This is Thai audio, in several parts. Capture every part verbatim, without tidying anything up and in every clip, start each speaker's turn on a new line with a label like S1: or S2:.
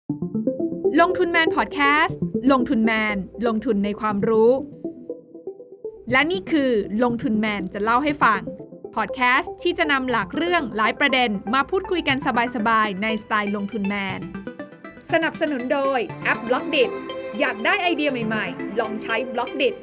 S1: ลงทุนแมนพอดแคสต์ลงทุนแมนลงทุนในความรู้และนี่คือลงทุนแมนจะเล่าให้ฟังพอดแคสต์ที่จะนำหลักเรื่องหลายประเด็นมาพูดคุยกันสบายๆในสไตล์ลงทุนแมนสนับสนุนโดยแอป บล็อกดิต อยากได้ไอเดียใหม่ๆลองใช้ บล็อกดิต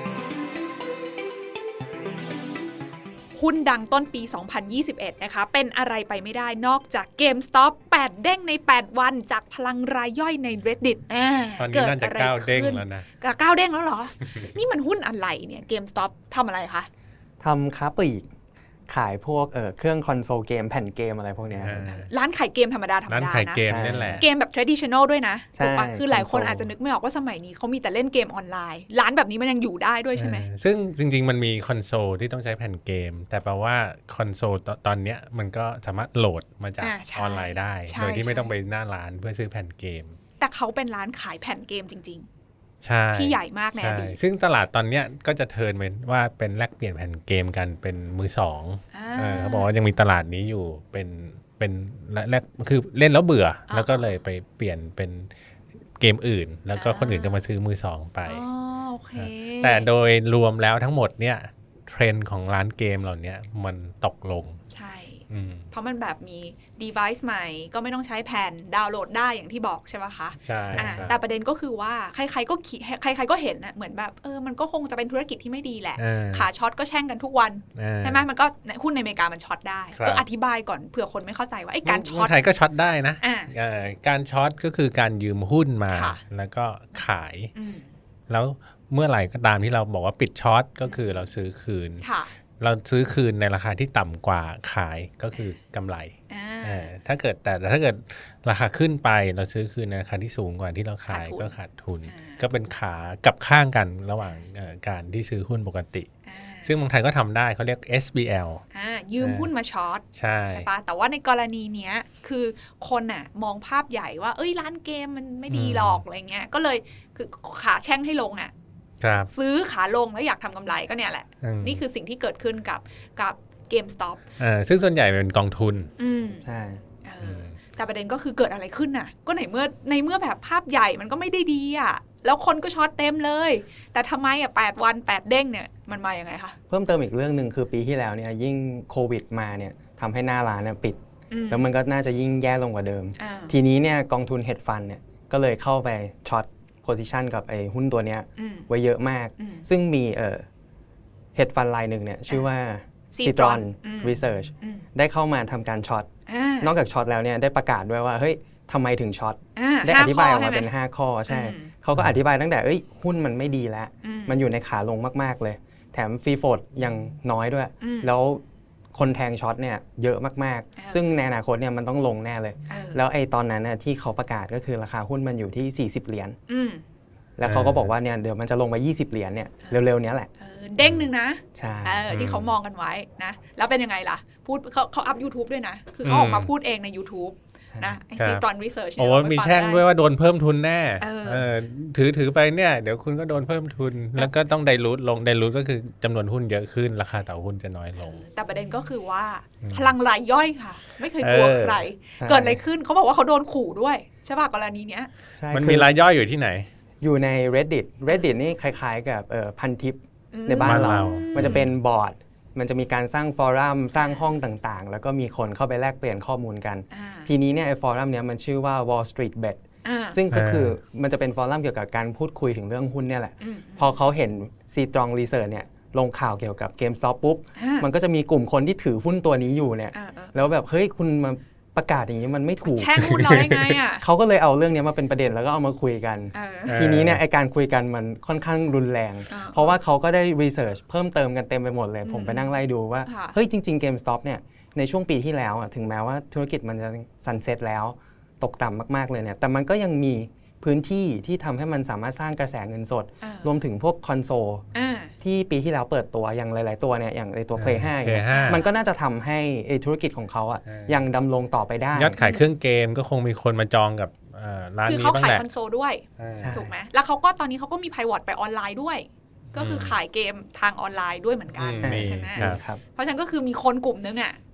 S1: หุ้นดังต้นปี สองพันยี่สิบเอ็ด นะคะเป็นอะไรไปไม่ได้นอกจาก GameStop แปดเด้งในแปดวันจากพลังรายย่อยใน Reddit อ่า
S2: ตอนนี้น่าจะเก้าเด้งแล้วนะ
S1: เก้าเด้งแล้วเหรอ นี่มันหุ้นอะไรเนี่ย GameStop ทำอะไรคะ
S3: ทำค้าปลีกขายพวกเอ่อเครื่องคอนโซลเกมแผ่นเกมอะไรพวกนี้
S1: ร้านขายเกมธรรมดาธรรมดานะ
S2: ร้านขายเกมนี่แหละ
S1: เกมแบบ traditional ด้วยนะถูกปะคือหลายคนอาจจะนึกไม่ออกว่าสมัยนี้เขามีแต่เล่นเกมออนไลน์ร้านแบบนี้มันยังอยู่ได้ด้วยใช่ไหม
S2: ซึ่งจริงๆมันมีคอนโซลที่ต้องใช้แผ่นเกมแต่แปลว่าคอนโซลตอนนี้มันก็สามารถโหลดมาจากออนไลน์ได้โดยที่ไม่ต้องไปหน้าร้านเพื่อซื้อแผ่นเกม
S1: แต่เขาเป็นร้านขายแผ่นเกมจริง
S2: ๆ
S1: ที่ใหญ่มากในอดีต
S2: ซึ่งตลาดตอนนี้ก็จะเทิร์นเป็นว่าเป็นแลกเปลี่ยนแผ่นเกมกันเป็นมือสองเขาบอกว่ายังมีตลาดนี้อยู่เป็นเป็นแลกคือเล่นแล้วเบื่อแล้วก็เลยไปเปลี่ยนเป็นเกมอื่นแล้วก็คนอื่นก็มาซื้อมือสองไปแต่โดยรวมแล้วทั้งหมดเนี่ยเทรนด์ของร้านเกมเหล่านี้มันตกลง
S1: ใช่เพราะมันแบบมี device ใหม่ก็ไม่ต้องใช้แผ่นดาวน์โหลดได้อย่างที่บอกใช่ไหมคะ
S2: ใช่
S1: แต่ประเด็นก็คือว่าใครๆก็ใครๆก็เห็นนะเหมือนแบบเออมันก็คงจะเป็นธุรกิจที่ไม่ดีแหละขาช็อตก็แช่งกันทุกวันใช่ไหมมันก็หุ้นในอเมริกามันช็อตได้เอออธิบายก่อนเผื่อคนไม่เข้าใจว่าไอ้การช็อต
S2: ไทยก็ช็อตได้นะการช็อตก็คือการยืมหุ้นมาแล้วก็ขายแล้วเมื่อไหร่ก็ตามที่เราบอกว่าปิดช็อตก็คือเราซื้อคืนเราซื้อคืนในราคาที่ต่ำกว่าขายก็คือกำไรถ้าเกิดแต่ถ้าเกิดราคาขึ้นไปเราซื้อคืนในราคาที่สูงกว่าที่เราขายก็ขาดทุนก็เป็นขากับข้างกันระหว่างการที่ซื้อหุ้นปกติซึ่งบางไทยก็ทำได้เขาเรียก เอส บี แอล
S1: ยืมหุ้นมาช็อตใช่ใช่ปะแต่ว่าในกรณีเนี้ยคือคนอ่ะมองภาพใหญ่ว่าเอ้ยร้านเกมมันไม่ดีหรอกอะไรเงี้ยก็เลยคือขาแช่งให้ลงอ่ะซื้อขาลงแล้วอยากทำกำไรก็เนี่ยแหละนี่คือสิ่งที่เกิดขึ้นกับกับ GameStop
S2: ซึ่งส่วนใหญ่เป็นกองทุน
S3: ใช่
S1: แต่ประเด็นก็คือเกิดอะไรขึ้นน่ะก็ในเมื่อในเมื่อแบบภาพใหญ่มันก็ไม่ได้ดีอ่ะแล้วคนก็ช็อตเต็มเลยแต่ทำไมอ่ะแปดวันแปดเด้งเนี่ยมันมาอย่างไงคะ
S3: เพิ่มเติมอีกเรื่องนึงคือปีที่แล้วเนี่ยยิ่งโควิดมาเนี่ยทำให้หน้าร้านเนี่ยปิดแล้วมันก็น่าจะยิ่งแย่ลงกว่าเดิมทีนี้เนี่ยกองทุนเฮดฟันเนี่ยก็เลยเข้าไปช็อตโพซิชันกับไอ้หุ้นตัวเนี้ยไว้เยอะมากซึ่งมีเอ่อเฮดฟันรายหนึ่งเนี่ยชื่อว่า Citron Research ได้เข้ามาทำการช็อตนอกจากช็อตแล้วเนี่ยได้ประกาศด้วยว่าเฮ้ยทำไมถึงช็อตได้อธิบายออกมาเป็นห้าข้อใช่เขาก็อธิบายตั้งแต่เอ้ยหุ้นมันไม่ดีแล้วมันอยู่ในขาลงมากๆเลยแถมฟรีโฟลต์ยังน้อยด้วยแล้วคนแทงช็อตเนี่ยเยอะมากๆซึ่งในอนาคตเนี่ยมันต้องลงแน่เลยแล้วไอ้ตอนนั้นน่ะที่เขาประกาศก็คือราคาหุ้นมันอยู่ที่สี่สิบเหรียญแล้วเขาก็บอกว่าเนี่ยเดี๋ยวมันจะลงไปยี่สิบเหรียญเนี่ยเร็วๆนี้แหละ
S1: เด้งนึงนะ
S3: ใช่
S1: ที่เขามองกันไว้นะแล้วเป็นยังไงล่ะพูดเขาเขาอัพ YouTube ด้วยนะคือเขาออกมาพูดเองใน YouTube นะไอ้ Citron Research
S2: โอ้มีแช่งด้วยว่าโดนเพิ่มทุนแน่ถือถือไปเนี่ยเดี๋ยวคุณก็โดนเพิ่มทุนแล้วก็ต้องไดรูทลงไดรูทก็คือจำนวนหุ้นเยอะขึ้นราคาต่อหุ้นจะน้อยลง
S1: แต่ประเด็นก็คือว่าพลังรายย่อยค่ะไม่เคยกลัวใครเกิดอะไรขึ้นเขาบอกว่าเขาโดนขู่ด้วยใช่ป่ะกรณีเนี้ย
S2: มันมีรายย่อยอยู่ที่ไหน
S3: อยู่ใน Reddit Reddit นี่คล้ายๆกับพันทิปในบ้านเรามันจะเป็นบอร์ดมันจะมีการสร้างฟอรัมสร้างห้องต่างๆแล้วก็มีคนเข้าไปแลกเปลี่ยนข้อมูลกันทีนี้เนี่ยไอ้ฟอรัมเนี้ยมันชื่อว่า Wall Street Bet ซึ่งก็คือมันจะเป็นฟอรัมเกี่ยวกับการพูดคุยถึงเรื่องหุ้นเนี่ยแหละพอเขาเห็น Citron Research เนี่ยลงข่าวเกี่ยวกับ GameStop ปุ๊บมันก็จะมีกลุ่มคนที่ถือหุ้นตัวนี้อยู่เนี่ยแล้วแบบเฮ้ยคุณมาประกาศอย่างนี้มันไม่ถูก
S1: แช่งหุ้นเราได้ไงอ่ะ
S3: เขาก็เลยเอาเรื่องนี้มาเป็นประเด็นแล้วก็เอามาคุยกันทีนี้เนี่ยไอการคุยกันมันค่อนข้างรุนแรงเพราะว่าเขาก็ได้รีเสิร์ชเพิ่มเติมกันเต็มไปหมดเลยผมไปนั่งไล่ดูว่าเฮ้ยจริงๆ GameStop เนี่ยในช่วงปีที่แล้วถึงแม้ว่าธุรกิจมันจะซันเซ็ตแล้วตกต่ำมากๆเลยเนี่ยแต่มันก็ยังมีพื้นที่ที่ทำให้มันสามารถสร้างกระแสเงินสดรวมถึงพวกคอนโซลที่ปีที่แล้วเปิดตัวอย่างหลายๆตัวเนี่ยอย่างในตัว Play ห้ามันก็น่าจะทำให้ธุรกิจของเขาอ่ะยังดำรงต่อไปได้
S2: ยอดขายเครื่องเกมก็คงมีคนมาจองกับร้านนี้บ้างแหละคือ
S1: เขาขายคอนโซลด้วยถูกไหมแล้วเขาก็ตอนนี้เขาก็มีไพวอตไปออนไลน์ด้วยก็คือขายเกมทางออนไลน์ด้วยเหมือนกันใช่ไหมเพราะฉะนั้นก็คือมีคนกลุ่มนึงอ่ะ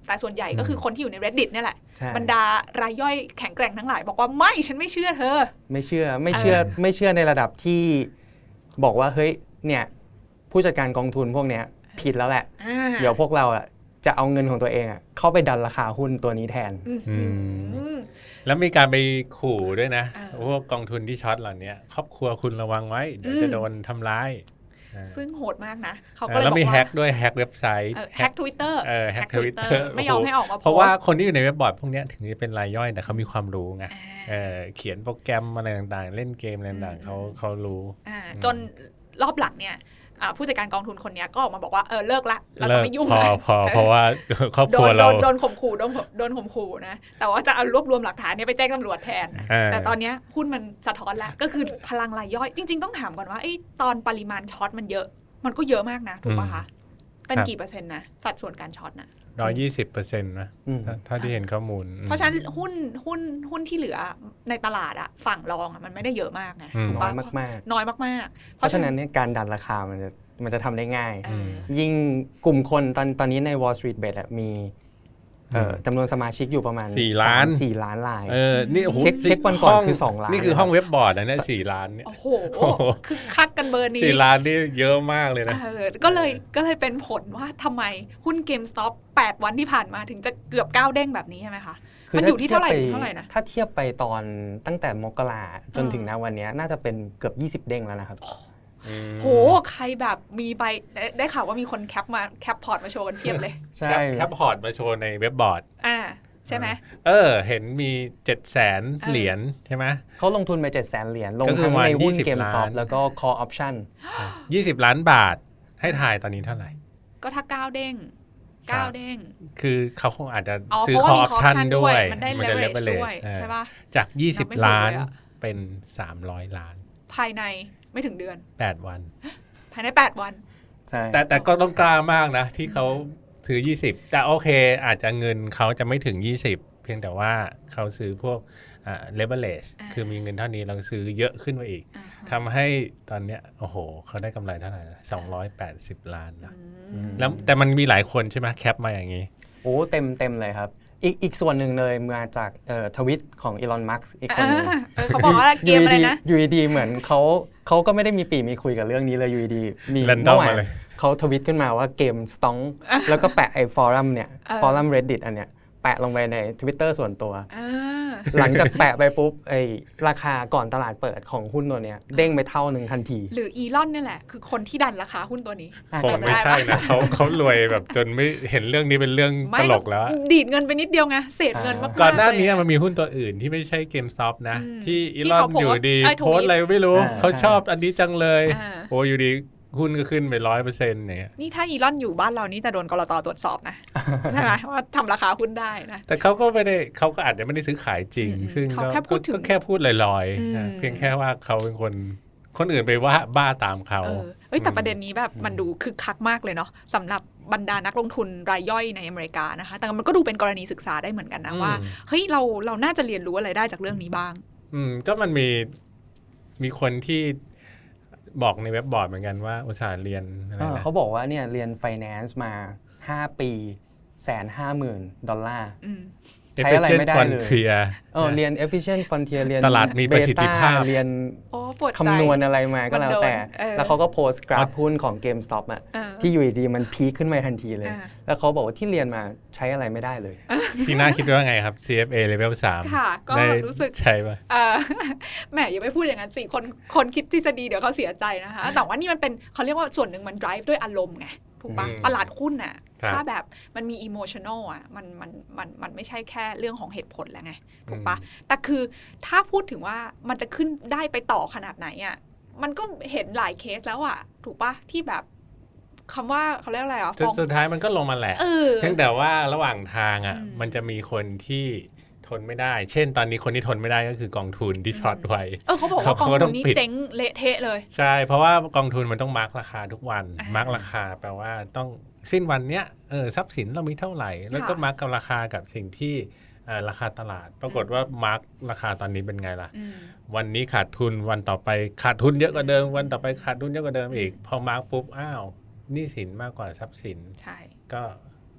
S1: แต่ส่วนใหญ่ก็คือคนที่อยู่ใน Reddit เนี่ยแหละบรรดารายย่อยแข็งแกร่งทั้งหลายบอกว่าไม่ฉันไม่เชื่อเธอ
S3: ไม่เชื่อไม่เชื่อไม่เชื่อในระดับที่บอกว่าเฮ้ยเนี่ยผู้จัดการกองทุนพวกเนี้ยผิดแล้วแหละเดี๋ยวพวกเราอ่ะจะเอาเงินของตัวเองอ่ะเข้าไปดันราคาหุ้นตัวนี้แทน
S2: แล้วมีการไปขู่ด้วยนะพวกกองทุนที่ช็อตเหล่านี้ครอบครัวคุณระวังไว้เดี๋ยวจะโดนทำร้าย
S1: ซึ่งโหดมากนะเขาก็เลยบอกว่า
S2: แล้วมีแฮกด้วยแฮกเว็บไซต์
S1: แฮก Twitter
S2: เออแฮก Twitter
S1: ไม่ยอมให้ออกมาโพสต์
S2: เพราะว่าคนที่อยู่ในเว็บบอร์ดพวกนี้ถึงจะเป็นรายย่อยแต่เขามีความรู้ไงเออเขียนโปรแกรมอะไรต่างๆเล่นเกมอะไรต่างๆเขาเขารู้
S1: จนรอบหลังเนี่ยผู้จัดการกองทุนคนนี้ก็ออกมาบอกว่าเออเลิกละเราจะไม่ยุ่ง
S2: พอพอเพราะว่าครอบครัวเรา
S1: โดนข่มขู่โดนโดนข่มขู่นะแต่ว่าจะเอารวบรวมหลักฐานนี้ไปแจ้งตำรวจแทนแต่ตอนนี้หุ้นมันสะท้อนแล้วก็คือพลังรายย่อยจริงๆต้องถามก่อนว่าไอ้ตอนปริมาณช็อตมันเยอะมันก็เยอะมากนะถูกป่ะคะเป็นกี่เปอร์เซ็นต์นะสัดส่วนการช็อตนะ
S2: ร้อยยี่สิบเปอร์เซ็นต์นะถ้าที่เห็นข้อมูล
S1: เพราะฉะนั้นหุ้นหุ้นหุ้นที่เหลือในตลาดอะฝั่งรองอะมันไม่ได้เยอะมากไง
S3: น้อยมาก
S1: ๆน้อยมาก
S3: ๆเพราะฉะนั้นเนี่ยการดันราคามันจะมันจะทำได้ง่ายยิ่งกลุ่มคนตอนตอนนี้ใน Wall Street Bet มีจำนวนสมาชิกอยู่ประมาณ
S2: สี่ล้าน
S3: สี่ล้านราย
S2: เออนี่โอ้โห
S3: เช็คเช็ควันก่อนคือสองล้าน
S2: นี่คือห้องเว็บบอร์ดนะเนี่ยสี่ล้านเนี่ย
S1: โอ้โหคือคักกันเบอร์นี้
S2: สี่ล้านนี่เยอะมากเลยนะ
S1: ก็เลยก็เลยเป็นผลว่าทำไมหุ้น GameStop แปดวันที่ผ่านมาถึงจะเกือบเก้าเด้งแบบนี้ใช่ไหมคะมันอยู่ที่เท่าไหร่เท่าไหร่นะ
S3: ถ้าเทียบไปตอนตั้งแต่มกราจนถึงณวันนี้น่าจะเป็นเกือบยี่สิบเด้งแล้วนะครับ
S1: โหใครแบบมีไปได้ข่าวว่ามีคนแคปมาแคปพอร์ตมาโชว์กันเทียบเลย
S3: ใช่
S2: แคปพอร์ตมาโชว์ในเว็บบอร์ด
S1: อ่าใช่ไหม
S2: เออเห็นมีเจ็ดแสนเหรียญใช่ไหม
S3: เขาลงทุนไปเจ็ดแสนเหรียญลงทั้งในหุ้น GameStop แล้วก็ Call Option
S2: ยี่สิบล้านบาทให้ถ่ายตอนนี้เท่าไหร่
S1: ก็ถ้าเก้าเด้งเก้าเด้ง
S2: คือเขาคงอาจจะซื้อ Call Option ด้วย
S1: มันได้ leverage ด้วยใช่ป่ะ
S2: จากยี่สิบล้านเป็นสามร้อยล้าน
S1: ภายในไม่ถึงเดือน
S2: แปดวัน
S1: ภายในแปดวัน
S2: ใช่แต่แต่ก็ต้องกล้ามากนะที่เขาซื้อยี่สิบแต่โอเคอาจจะเงินเขาจะไม่ถึงยี่สิบเพียงแต่ว่าเขาซื้อพวกอ่า leverage คือมีเงินเท่านี้เราซื้อเยอะขึ้นมาอีกทำให้ตอนเนี้ยโอ้โหเขาได้กำไรเท่าไหร่นะสองร้อยแปดสิบล้านนะแล้วแต่มันมีหลายคนใช่ไหมแคปมาอย่างนี้
S3: โอ้เต็มเต็มเลยครับอีกอีกส่วนหนึ่งเลยมาจากเอ่อทวิตของอีลอน มัสก์อีกคนนึง
S1: เขาบอกว่าเกมอะไรนะ
S3: อยู่ดีเหมือนเขาเขาก็ไม่ได้มีปีมีคุยกับเรื่องนี้เลยอยู่ดีมี
S2: เมื่อวาน
S3: เขาทวิตขึ้นมาว่าเกมสต็องแล้วก็แปะไอ้ฟอรัมเนี่ยฟอรัม Reddit อันเนี้ยแปะลงไปใน Twitter ส่วนตัวหลังจากแปะไปปุ๊บไอ้ราคาก่อนตลาดเปิดของหุ้นตัวเนี้ยเด้งไปเท่านึงทันที
S1: หรืออีลอนนี่แหละคือคนที่ดันราคาหุ้นตัวนี้
S2: คงไม่ใช่นะเขาเขารวยแบบจนไม่เห็นเรื่องนี้เป็นเรื่องตลกแล้ว
S1: ดีดเงินไปนิดเดียวไงเศษเงินมากๆ
S2: ก่อนหน้านี้มันมีหุ้นตัวอื่นที่ไม่ใช่ GameStop นะที่อีลอนอยู่ดีโพสอะไรไม่รู้เขาชอบอันนี้จังเลยโอ้อยู่ดีหุ้นก็ขึ้นไปร้อยเปอร์เซ็นต์เนี่ย
S1: นี่ถ้าอีลอนอยู่บ้านเรานี่จะโดนกลต.ตรวจสอบนะใช่ไหมว่าทำราคาหุ้นได้นะ
S2: แต่เขาก็ไม่ได้เขาก็อาจจะไม่ได้ซื้อขายจริงซึ่ง
S1: เขาแค่พูดถึง
S2: แค่พูดลอยๆเพียงแค่ว่าเขาเป็นคนคนอื่นไปว่าบ้าตามเขา
S1: เอ้ยแต่ประเด็นนี้แบบมันดูคึกคักมากเลยเนาะสำหรับบรรดานักลงทุนรายย่อยในอเมริกานะคะแต่มันก็ดูเป็นกรณีศึกษาได้เหมือนกันนะว่าเฮ้ยเราเราน่าจะเรียนรู้อะไรได้จากเรื่องนี้บ้าง
S2: อืมก็มันมีมีคนที่บอกในเว็บบอร์ดเหมือนกันว่าอุตสาห์เรียนอะไรนะ
S3: เขาบอกว่าเนี่ยเรียน Finance มาห้าปีแสนห้าหมื่นดอลลาร์ใช้อะไรไม่ได้เลยเออเรียน efficient frontier เรียน
S2: ตลาดมีประสิทธิภาพ
S3: เรียนคำนวณอะไรมาก็แล้วแต่แล้วเขาก็โพสต์กราฟหุ้นของ GameStop อ่ะที่อยู่ดีมันพีคขึ้นมาทันทีเลยแล้วเขาบอกว่าที่เรียนมาใช้อะไรไม่ได้เลย
S2: พี่น่าคิดว่าไงครับ ซี เอฟ เอ Level สาม
S1: ค่ะก็รู้สึก
S2: ใช่ป่ะ
S1: แหมอย่าไปพูดอย่างนั้นสิคนคนคิดทฤษฎีเดี๋ยวเขาเสียใจนะคะแต่ว่านี่มันเป็นเขาเรียกว่าส่วนหนึ่งมัน drive ด้วยอารมณ์ไงถูกปะตลาดหุ้นน่ะถ้าแบบมันมี emotional อ่ะมันมันมันมันไม่ใช่แค่เรื่องของเหตุผลแล้วไงถูกปะแต่คือถ้าพูดถึงว่ามันจะขึ้นได้ไปต่อขนาดไหนอ่ะมันก็เห็นหลายเคสแล้วอ่ะถูกปะที่แบบคำว่าเขาเรียกอะไรอ่ะ
S2: สุดท้ายมันก็ลงมาแหละเพียงแต่ว่าระหว่างทางอ่ะมันจะมีคนที่ทนไม่ได้เช่นตอนนี้คนที่ทนไม่ได้ก็คือกองทุนที่ช็อตไว้
S1: เออเขาบอกว่ากองทุนนี้เจ๊งเละเทะเลย
S2: ใช่เพราะว่ากองทุนมันต้องมาร์กราคาทุกวันมาร์กราคาแปลว่าต้องสิ้นวันเนี้ยเออทรัพย์สินเรามีเท่าไหร่แล้วก็มาร์กกับราคากับสิ่งที่ราคาตลาดปรากฏว่ามาร์กราคาตอนนี้เป็นไงล่ะวันนี้ขาดทุนวันต่อไปขาดทุนเยอะกว่าเดิมวันต่อไปขาดทุนเยอะกว่าเดิมอีกพอมาร์กปุ๊บอ้าวหนี้สินมากกว่าทรัพย์สิน
S1: ใช่
S2: ก็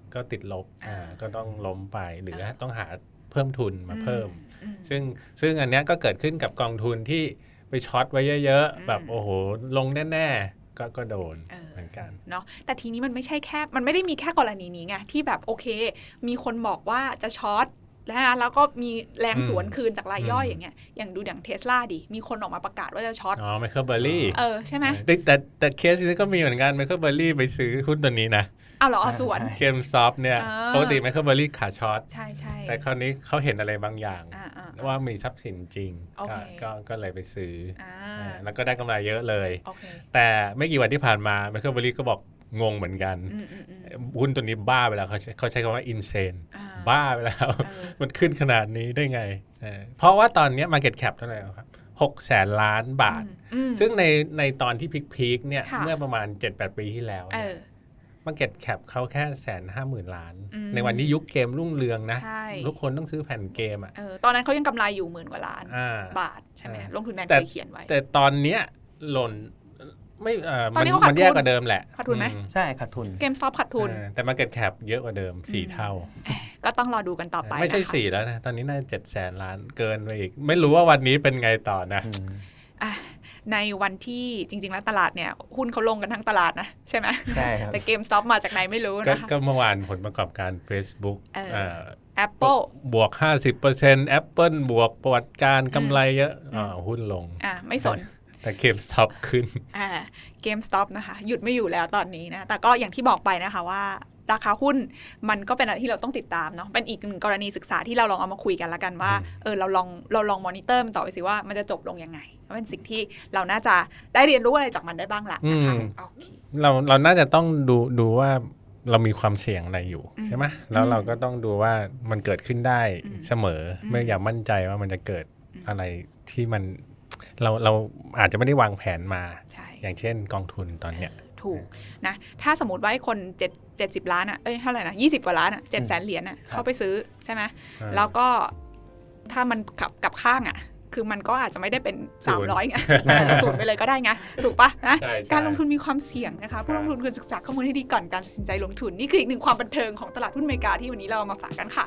S2: ก็ติดลบอ่าก็ต้องล้มไปหรือต้องหาเพิ่มทุนมาเพิ่มซึ่งซึ่งอันเนี้ยก็เกิดขึ้นกับกองทุนที่ไปช็อตไว้เยอะๆแบบโอ้โหลงแน่ๆก็ก็โดนเหมือนกัน
S1: เนาะแต่ทีนี้มันไม่ใช่แค่มันไม่ได้มีแค่กรณีนี้ไงที่แบบโอเคมีคนบอกว่าจะช็อตแล้วแล้วก็มีแรงสวนคืนจากรายย่อยอย่างเงี้ยอย่างดูอย่าง Tesla ดิมีคนออกมาประกาศว่าจะช็อต
S2: อ๋อไมเคิลเบอร์รี่
S1: เออใช่ไหม
S2: แต่แต่แต่เคสนี้ก็มีเหมือนกันไมเคิลเบอร์รี่ไปซื้อหุ้นตัวนี้นะ
S1: อ้าวเหรอสวน
S2: เกมซอฟเนี่ยปกติไมเคิลเบอร์รี่ขาช็อต
S1: ใช่ใช่
S2: แต่คราวนี้เขาเห็นอะไรบางอย่างว่ามีทรัพย์สินจริงก็ก็เลยไปซื้อแล้วก็ได้กำไรเยอะเลยแต่ไม่กี่วันที่ผ่านมาไมเคิลเบอร์รี่ก็บอกงงเหมือนกันหุ้นตัวนี้บ้าไปแล้วเขาเขาใช้คำว่าอินเซนบ้าไปแล้วมันขึ้นขนาดนี้ได้ไงเพราะว่าตอนนี้ market cap เท่าไหร่ครับหกแสนล้านบาทซึ่งในในตอนที่พีคๆเนี่ยเมื่อประมาณ เจ็ดแปด ปีที่แล้วmarket cap เขาแค่แสนห้าหมื่นล้านในวันที่ยุคเกมรุ่งเรืองนะทุกคนต้องซื้อแผ่นเกมอ่ะ
S1: ตอนนั้นเขายังกำไรอยู่หมื่นกว่าล้านบาทใช่ไหมลงทุนแมนเคยเขียนไว้
S2: แต่ตอนเนี้ยหล่นไม่เอ่อมันมันแย่กว่าเดิมแหละ
S1: ขาดทุนไหม
S3: ใช่ขาดทุน
S1: เกมซอฟขาดทุน
S2: แต่ market cap เยอะกว่าเดิมสี่เท่า
S1: ก็ต้องรอดูกันต่อไป
S2: ไม่ใช่สี่แล้วนะตอนนี้น่าจะเจ็ดแสนล้านเกินไปอีกไม่รู้ว่าวันนี้เป็นไงต่อนะ
S1: ในวันที่จริงๆแล้วตลาดเนี่ยหุ้นเขาลงกันทั้งตลาดนะใช่ไหม
S3: ใช่ครับ
S1: แต่เกมสต็อปมาจากไหนไม่รู้นะคะ
S2: ก็เมื่อวานผลประกอบการ Facebook
S1: อ่า Apple
S2: บวก ห้าสิบเปอร์เซ็นต์ Apple บวกประวัติการกำไรเยอะอ่าหุ้นลง
S1: อ่าไม่สน
S2: แต่เกมสต็อปขึ้น
S1: อ่าเกมสต็อปนะคะหยุดไม่อยู่แล้วตอนนี้นะแต่ก็อย่างที่บอกไปนะคะว่าราคาหุ้นมันก็เป็นอะไรที่เราต้องติดตามเนาะเป็นอีกหนึ่งกรณีศึกษาที่เราลองเอามาคุยกันละกันว่าเออเราลองเราลองมอนิเตอร์มันต่อไปสิว่ามันจะจบลงยังไงเป็นสิ่งที่เราน่าจะได้เรียนรู้อะไรจากมันได้บ้างละนะคะ
S2: เราเราน่าจะต้องดูดูว่าเรามีความเสี่ยงอะไรอยู่ใช่ไหมแล้วเราก็ต้องดูว่ามันเกิดขึ้นได้เสมอไม่อยากมั่นใจว่ามันจะเกิดอะไรที่มันเราเราอาจจะไม่ได้วางแผนมาอย่างเช่นกองทุนตอนเนี้ย
S1: ถูกนะถ้าสมมติว่าให้คนเจ็ด เจ็ดสิบล้านอ่ะเอ้ยเท่าไหร่นะยี่สิบกว่าล้านอ่ะเจ็ดแสนเหรียญอ่ะเข้าไปซื้อใช่ไหมแล้วก็ถ้ามันกับกับข้างอ่ะคือมันก็อาจจะไม่ได้เป็นสามร้อยไงสูตรไปเลยก็ได้ไงถูกปะนะการลงทุนมีความเสี่ยงนะคะผู้ลงทุนควรศึกษาข้อมูลให้ดีก่อนการตัดสินใจลงทุนนี่คืออีกหนึ่งความบันเทิงของตลาดหุ้นอเมริกาที่วันนี้เรามาฝากกันค่ะ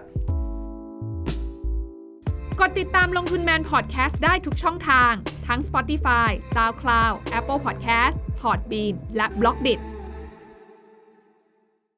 S1: กดติดตามลงทุนแมนพอดแคสต์ได้ทุกช่องทางทั้ง Spotify, SoundCloud, Apple Podcast, Podbean และ บล็อกดิท